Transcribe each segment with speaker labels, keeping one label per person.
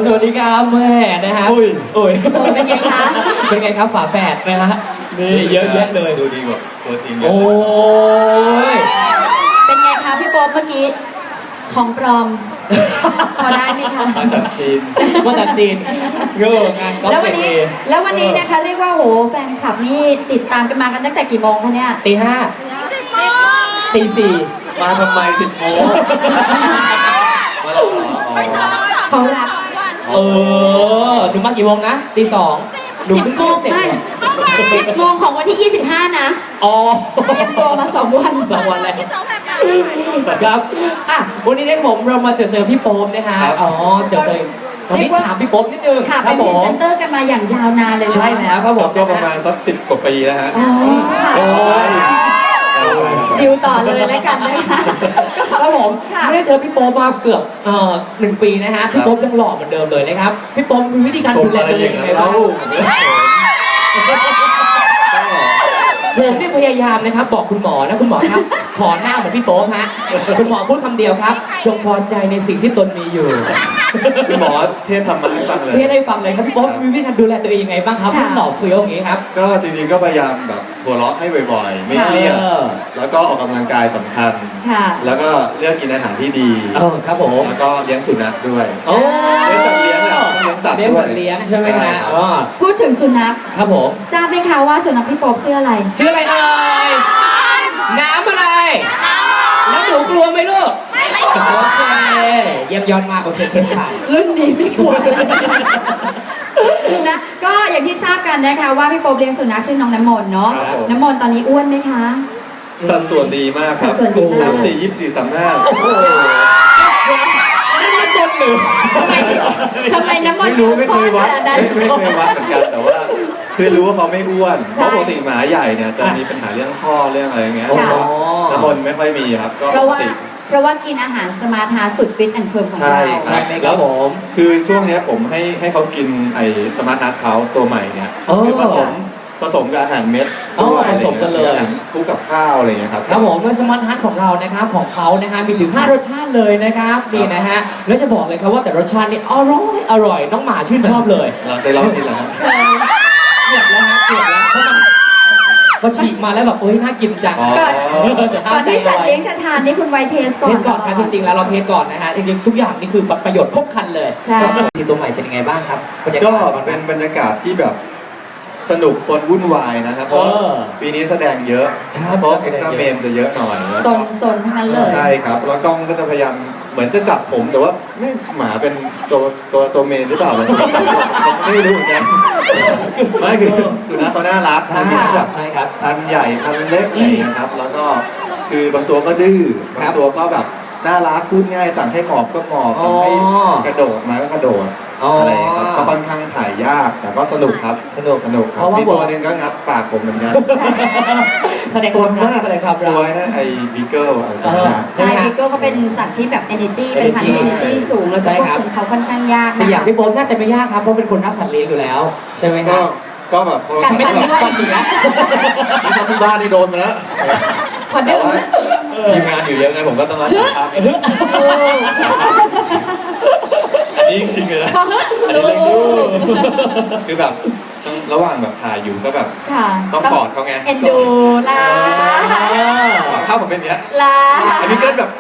Speaker 1: สวัสดีครับแม่นะฮะอุ้ย
Speaker 2: เป็นไงคะ
Speaker 1: เป็นไงครับฝาแฝดนะฮะนี่เยอะแยะเลย
Speaker 3: ดูดีกว่าตัวจริงเยอะ
Speaker 1: โอ้ย
Speaker 2: เป็นไงคะพี่โป๊ปเมื่อกี้ของปลอมพอได้ไหมคะ
Speaker 3: มาจากจีน
Speaker 1: เงางานก็เก่ง
Speaker 2: แล้ววันนี้นะคะเรียกว่าโหแฟนคลับนี่ติดตามกันมากันตั้งแต่กี่โมงคะเนี่ย
Speaker 1: ตี 5ตี 4
Speaker 3: มาทำไม10 โมงมาแล้วเหรอ
Speaker 2: เขารัก
Speaker 1: หนูมากี่โมงนะตี 2หนูเพิ่งเสร็จ
Speaker 2: 10 โมงของวันที่ 25นะเตรียมตัวมา2 วัน
Speaker 1: แล้วครับวันนี้ได้ผมเรามาเจอพี่โป๊ปนะฮะเจอวันนี้ถามพี่โป๊ปนิดนึง
Speaker 2: ค่ะเป็นพรีเซนเตอร์กันมาอย่างยาวนานเลย
Speaker 1: ใช่แล้วครับผม
Speaker 3: ก็ประมาณสัก10 กว่าปีแล้วฮะ
Speaker 2: ดิวต่อเลยแล้วกันนะคะ
Speaker 1: ครับผมไม่ได้เจอพี่โป๊ปมาเกือบ1 ปีนะฮะพี่โป๊ปยังหล่อเหมือนเดิมเลยนะครับพี่โป๊ปมีวิธีการดูแลตัวเองยังไงบ้างผมที่พยายามนะครับบอกคุณหมอนะคุณหมอครับขอหน้าเหมือนพี่โป๊ปฮะคุณหมอพูดคำเดียวครับจงพอใจในสิ่งที่ตนมีอยู่
Speaker 3: คุณหมอเทศทำมาให้ฟังเลย
Speaker 1: เทศให้ฟังเลยครับพี่โป๊ปมีวิธีการดูแลตัวเองยังไงบ้างครับให้หล่อเฟี้ยวอย่างนี้ครับ
Speaker 3: ก็จริงๆก็พยายามแบบหัวเราะให้บ่อยๆไม่เครียดแล้วก็ออกกำลังกายสำคัญแล้วก็เลือกกินอาหารที่ดี
Speaker 1: ครับผม
Speaker 3: แล้วก็เลี้ยงสุนัขด้วยเลี้ยงสัตว์เลี้ยง
Speaker 1: เลี้ยงสัตว์เลี้ยงใช่ไหมคะ
Speaker 2: พูดถึงสุนัข
Speaker 1: ครับผม
Speaker 2: ทราบไหมคะว่าสุนัขพี่โป๊ปชื่ออะไร
Speaker 1: เอ่ยน้ำอะไรแล้วหนูกลัวไหมลูกโอเคเยี่ยมยอดมากโอเคค่ะ
Speaker 2: รุ่นนี้ไม่กลัวนะก็อย่างที่ทราบกันนะคะว่าพี่โป๊ปเลี้ยงสุนัขชื่อน้องน้ำมนต์เนาะน้ำมนต์ตอนนี้อ้วนไหมคะ
Speaker 3: สัดส่วนดีมากครับ34 25โอ้โห
Speaker 1: น้ำมนต์หรือ
Speaker 2: ทำไมน้ำมนต์
Speaker 3: ไม่เคยวัดเหมือนกันแต่ว่าคือรู้ว่าเขาไม่อ้วนเพราะปกติหมาใหญ่เนี่ยจะมีปัญหาเรื่องข้อเรื่องอะไรอย่างเงี้ยน้ำมนต์ไม่ค่อยมีครับก็ปกติ
Speaker 2: เพราะว่ากินอาหารสมาร์ทฮาร์สุดฟิตแอนด์เฟิร์มของเรา
Speaker 1: ใช่ไหมครับผม
Speaker 3: คือช่วงนี้ผมให้เขากินไอ้สมาร์ทฮาร์เขาตัวใหม่เนี่ยคือผสมกับอาหารเม็ด
Speaker 1: ผสมกันเลย
Speaker 3: คู่กับข้าวอะไรอย่างเงี้ยครับ
Speaker 1: ครับผมในสมาร์ทฮาร์ของเรานะครับของเขานะฮะมีถึง5 รสชาติเลยนะครับนี่นะฮะแล้วจะบอกเลยครับว่าแต่รสชาตินี่อร่อยน้องหมาชื่นชอบเลย
Speaker 3: เราได้ลองกินแล้ว
Speaker 1: เกือบแล้วเพราะมันพอฉีกมาแล้วแบบน่ากินจัง
Speaker 2: ก่อนที่สัตว์เลี้ยงจะทานนี่คุณไวเทสก่อน
Speaker 1: ครับจริงๆแล้วเราเทสก่อนนะฮะจริงๆทุกอย่างนี่คือประโยชน์ครบครันเลย
Speaker 2: ใช่
Speaker 1: ตัวใหม่เป็นยังไงบ้างครับ
Speaker 3: ก็เป็นบรรยากาศที่แบบสนุกปนวุ่นวายนะครับเพราะปีนี้แสดงเยอะเพราะเอ็กซ์ตร้าเมนจะเยอะหน่อย
Speaker 2: โซนทั้งนั้นเลย
Speaker 3: ใช่ครับแล้วกล้องก็จะพยายามเหมือนจะจับผมแต่ว่าไม่หมาเป็นตัวเมนหรือเปล่าผมไม่รู้เหมือนกันไม่คือสุนัขเขาน่ารักทั้งแบบพันใหญ่พันเล็กอะไรนะครับแล้วก็คือบางตัวก็ดื้อบางตัวก็แบบน่ารักพูดง่ายสั่งให้หมอบก็หมอบสั่งให้กระโดดมาก็กระโดดอะไรครับก็ค่อนข้างถ่ายยากแต่ก็สนุกครับสนุกครับมีตัวนึงก็งับปากผมเหมือนกัน
Speaker 1: โซนมากเลยครับ
Speaker 3: ตัวนั้นไอ้บีเกิล
Speaker 2: ใช่บีเกิลก็เป็นสัตว์ที่แบบ energy เป็นพันธุ์ energy สูงแล้วก็ควบคุมเขาค่อนข้างยาก
Speaker 1: อย่างพี่โป๊ปน่าจะไม่ยากครับเพราะเป็นคนรักสัตว์เลี้ยงอยู่แล้วใช่ไหมครับ
Speaker 3: ก็แบบ
Speaker 2: กันไม่ได้ด้วย
Speaker 3: ที่บ้านนี่โดนมาแล้ว
Speaker 2: พอเดิม
Speaker 3: ทีมงานอยู่เยอะไงผมก็ต้องรับผิดชอบนี่จริงเลยนะคือแบบระหว่างแบบถ่ายอยู่ก็แบบต้องกอดเขาไง
Speaker 2: เอ็นดูลา
Speaker 3: ถ้าผมเป็นเนี้ย
Speaker 2: ลา
Speaker 3: อันนี้ก็แบบ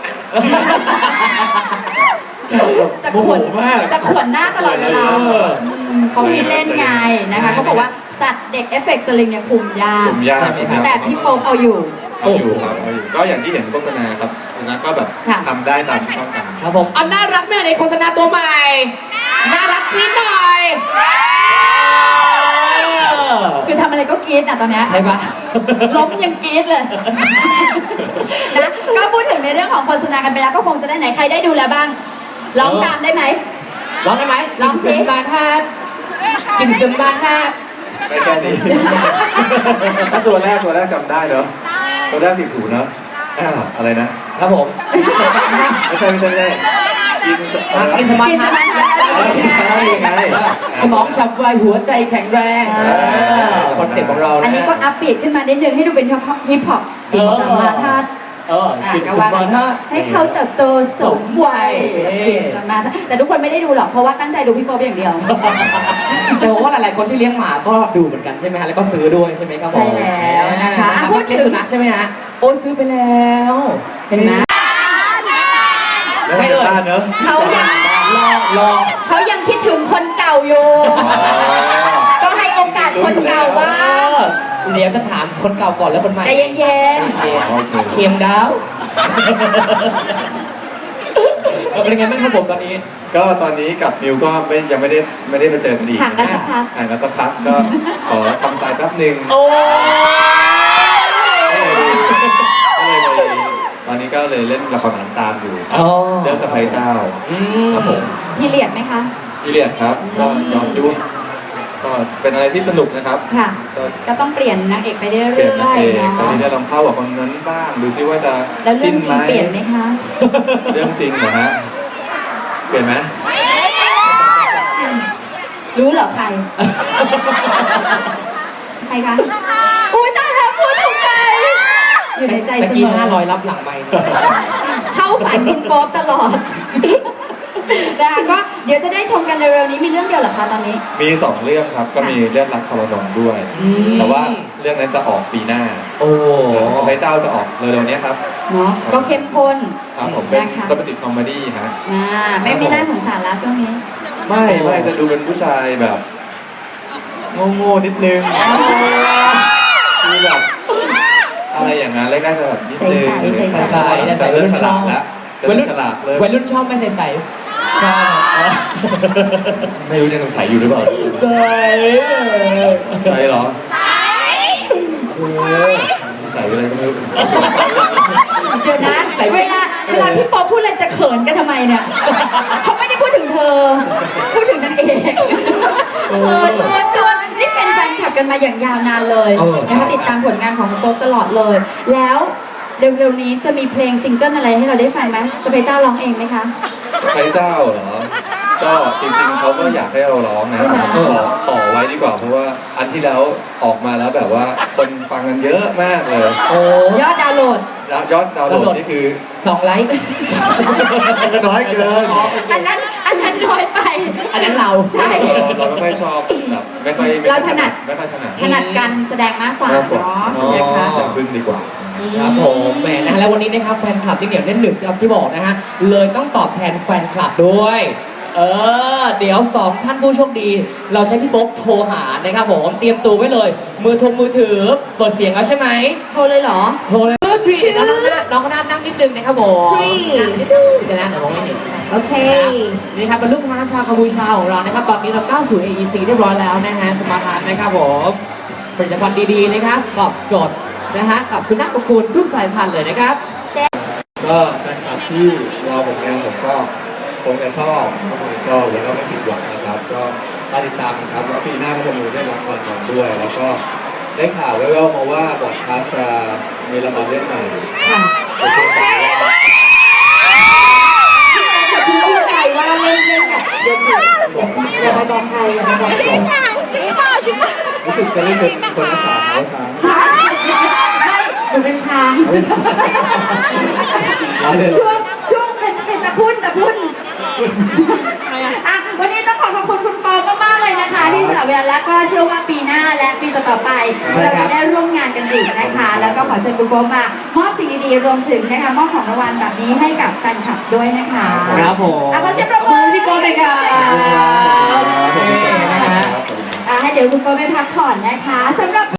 Speaker 2: จะขวนหน้าตลอดเวลาเขาพี่เล่นไงนะคะเขาบอกว่าสัตว์เด็กเอฟเฟกต์สลิงเนี่ยคุมยากแต่พี่โป๊ปเอาอยู่
Speaker 3: ครับก็อย่างที่เห็นโฆษณาครับนะก็แบบทำได้ตามที่ต้องการ
Speaker 1: ครับผมน่ารักแม่ในโฆษณาตัวใหม่น่ารักนิดหน่อย
Speaker 2: คือทำอะไรก็กรี๊ดตอนนี้
Speaker 1: ใช่ปะ
Speaker 2: ล้มยังกรี๊ดเลยนะก็พูดถึงในเรื่องของโฆษณากันไปแล้วก็คงจะได้ไหนใครได้ดูแล้วบ้างร้องตามได้ไหม
Speaker 1: ร้องได้ไหม
Speaker 2: ร้องสิ
Speaker 1: บาทากินซึมบาทา
Speaker 3: ไม่แค่นี้ถ้าตัวแรกจำได้เนาะตัวแรกติดหูเนาะอะไรนะครับ
Speaker 1: ผม
Speaker 3: ไม่ใช่
Speaker 1: กินสมาร์ทสมองฉับไวหัวใจแข็งแรงคอนเซ็ปต์ของเรา
Speaker 2: อันนี้ก็อัพปีดขึ้นมานิดนึงให้ดูเป็นฮิปฮอปกินสมาร์ท
Speaker 1: กิน
Speaker 2: ก็
Speaker 1: สุ
Speaker 2: ว่า
Speaker 1: มาณ
Speaker 2: ให้เขาเติบโตสมวัยกินสมาธิแต่ทุกคนไม่ได้ดูหรอกเพราะว่าตั้งใจดูพี่โป๊ปอย่างเดียว
Speaker 1: แต่ว่าหลายๆคนที่เลี้ยงหมาก็ดูเหมือนกันใช่ไหมฮะแล้วก็ซื้อด้วยใช่ไหมครับผม
Speaker 2: ใช่แล้วนะคะ
Speaker 1: พูดถึงสุนัขใช่ไหมฮะโอ้ซื้อไปแล้ว
Speaker 2: เห็นไหม
Speaker 3: แล้วในบ้านเนอะ
Speaker 2: เขายัง
Speaker 1: ลอง
Speaker 2: เขายังคิดถึงคนเก่าอยู่ ก็ให้โอกาสคนเก่าบ้าง
Speaker 1: เดี๋ยวจะถามคนเก่าก่อนแล้วคนใหม่
Speaker 2: ใจเย็น
Speaker 1: เค็มดาวเป็นไงบ้างครับผมตอนนี้
Speaker 3: ก็ตอนนี้กับนิวก็ยังไม่ได้มาเจอกันอีก
Speaker 2: ๆห่างกันสักพัก
Speaker 3: ห่างกันสักพักก็ขอทำใจแป๊บหนึ่ง
Speaker 1: โอ้
Speaker 3: ก็เลยตอนนี้ก็เลยเล่นละครหนังตามอยู่เรื่องสะใภ้เจ้าครับผม
Speaker 2: พี่เลียดไหมคะ
Speaker 3: พี่เลียดครับก็ย้อนยุคก็เป็นอะไรที่สนุกนะครับ
Speaker 2: ค่ะ
Speaker 3: ก็
Speaker 2: ก็ต้องเปลี่ยนนางเอกไปเรื่อย
Speaker 3: เปลี่ยนนางเอก
Speaker 2: ๆเนาะ
Speaker 3: ตอนนี้ได้ลองเข้ากับคนนั้นบ้างดูซิว่าจะ
Speaker 2: แล้วเรื่
Speaker 3: จิ้
Speaker 2: อง
Speaker 3: น
Speaker 2: จริ
Speaker 3: ไหม
Speaker 2: งเปลี่ยนไหมคะ
Speaker 3: เรื่องจริงเหรอฮะเปลี่ยนไหม
Speaker 2: รู้เหรอใคร ใครคะอุ้ยตายแล้วพูดถูกใจ อยู่ในใจเส
Speaker 1: ตะ
Speaker 2: ม
Speaker 1: กี้
Speaker 2: อ
Speaker 1: 500รับหลังไป
Speaker 2: เข้าฝันคุณโป๊ปตลอด นะคะก็เดี๋ยวจะได้ชมกันเร็วๆนี้มีเรื่องเดียวเหรอคะตอนนี้
Speaker 3: มี2เรื่องครับก็มีเรื่องรักทรนงด้วย แต่ว่าเรื่องนั้นจะออกปีหน้า
Speaker 1: โอ้
Speaker 3: สะใภ้เจ้าจะออกเร็วๆนี้ครับ
Speaker 2: เนาะก็เข้มข้น
Speaker 3: ครับผมเป็น
Speaker 2: นะคะ
Speaker 3: ก็เป็นติดคอมเมดี้ฮะ
Speaker 2: ไม่น่าสงสารละช่วงนี้
Speaker 3: ไม่จะดูเป็นผู้ชายแบบโง่ๆนิดนึงคือแบบอะไรอย่างนั้นแรกๆจะแบบนิดนึง
Speaker 2: ใสๆ
Speaker 3: จะเริ่มฉลาดแล้วจะ
Speaker 1: วัย
Speaker 3: เริ่
Speaker 1: รุ่
Speaker 3: ม
Speaker 1: น
Speaker 3: ฉลาดเลย
Speaker 1: วัยรุ่นชอบไหมใสๆชอบ
Speaker 3: ไม่รู้ยังใสอยู่หรือเปล่า
Speaker 1: ใส
Speaker 3: ใสเหรอใสอะไรก็ไม่รู้
Speaker 2: เดี๋ยวนะเวลาพี่ป๊อปพูดอะไรจะเขินกันทำไมเนี่ยเขาไม่ได้พูดถึงเธอ พูดถึงนางเอกนี่เป็นแฟนคลับกันมาอย่างยาวนานเลยนะคะติดตามผลงานของคุณโป๊ปตลอดเลย แล้วเร็วๆนี้จะมีเพลงซิงเกิลอะไรให้เราได้ฟังไหมจะไปเจ้าร้องเองไหมคะ
Speaker 3: ใครเจ้าเหรอ ก็จริงๆเขาก็อยากให้เราร้องนะ
Speaker 2: ใช่ไหม
Speaker 3: ก็ขอไว้ดีกว่าเพราะว่าอันที่แล้วออกมาแล้วแบบว่าคนฟังกันเยอะมากเลย
Speaker 1: โอ้
Speaker 2: ยอดดาวน์โหลด
Speaker 3: แล้วยอดดาวน์โหลดนี่คือ
Speaker 1: 2 ไลค์
Speaker 3: ก็น้อยเกิน
Speaker 2: อันนั้นน้อยไป
Speaker 1: อันนั้นเรา
Speaker 2: ใช่
Speaker 3: เราไม่ค่อยชอบแบบไม่ค่อย
Speaker 2: เราถนัด
Speaker 3: ไม่ค่อยถนัด
Speaker 2: ถนัดการแสดงมากกว่าเนาะนะคะ
Speaker 3: อย่าพึ่งดีกว่า
Speaker 1: ครับผมแหมนะฮะแล้ววันนี้นะครับแฟนคลับที่เหนียวแน่นหนึบครับที่บอกนะฮะเลยต้องตอบแทนแฟนคลับด้วย เดี๋ยว2ท่านผู้โชคดี เราใช้พี่โป๊ปโทรหานะครับผมเตรียมตัวไว้เลย มือถือเปิดเสียงแล้วใช่ไหม
Speaker 2: โทรเลยเหรอ
Speaker 1: โทรเลยชื่อน้องก็น่านั่งนิดนึงนะครับผม
Speaker 2: Three
Speaker 1: นิดนึงเดี๋ยวนะเดี๋ยวมองไม่เห็น
Speaker 2: โอเค
Speaker 1: นี่ครับเป็นลูกค้าชาวกัมพูชาของเรานะครับตอนนี้เราก้าวสู่ AEC เรียบร้อยแล้วนะฮะสมาร์ทฮาร์ทนะครับผมผลิตภัณฑ์ดีๆนะครับตอบโจทย์นะฮะกับสุนัขของคุณทุกสายพันธุ์เลยนะครับ
Speaker 3: ก็แฟนคลับที่รอผลงานผมก็คงจะชอบแล้วก็ไม่ผิดหวังนะครับ ก็ติดตามนะครับแล้วปีหน้าก็จะมีได้รับรางวัลด้วย แล้วก็ได้ข่าวแว่วๆมาว่าบอดคาสต์จะมีละครเรื่องใหม่
Speaker 2: ค่ะ
Speaker 3: เป็นช่วงสาย
Speaker 2: อย่าเพิ่งพูดใครว่าเล่นกับอย่าไปบอกใครอย่าไปบอกใคร
Speaker 3: รู้สึกจะเล่นเป็นคนรักษาเขาช้าง
Speaker 2: หนูเป็นช้าง ช่วงเป็นตะพุ่นอ่ะวันนี้ต้องขอบคุณคุณปอมากๆเลยนะคะ ที่สละเวลาและก็เชื่อว่าปีหน้าและปีต่อๆไป เราจะได้ร่วมงานกันอีกนะคะ แล้วก็ขอเชิญคุณปอมามอบสิ่งดีๆรวมถึงนะคะมอบของรางวัลแบบนี้ให้กับแฟนคลับด้วยนะคะ
Speaker 1: ครับผม
Speaker 2: ขอเสียงปรบมือพี่โก้เลยค่ะ
Speaker 1: นะฮะ
Speaker 2: ให้เดี๋ยวคุณโก้ไปพักผ่อนนะคะสำหรับ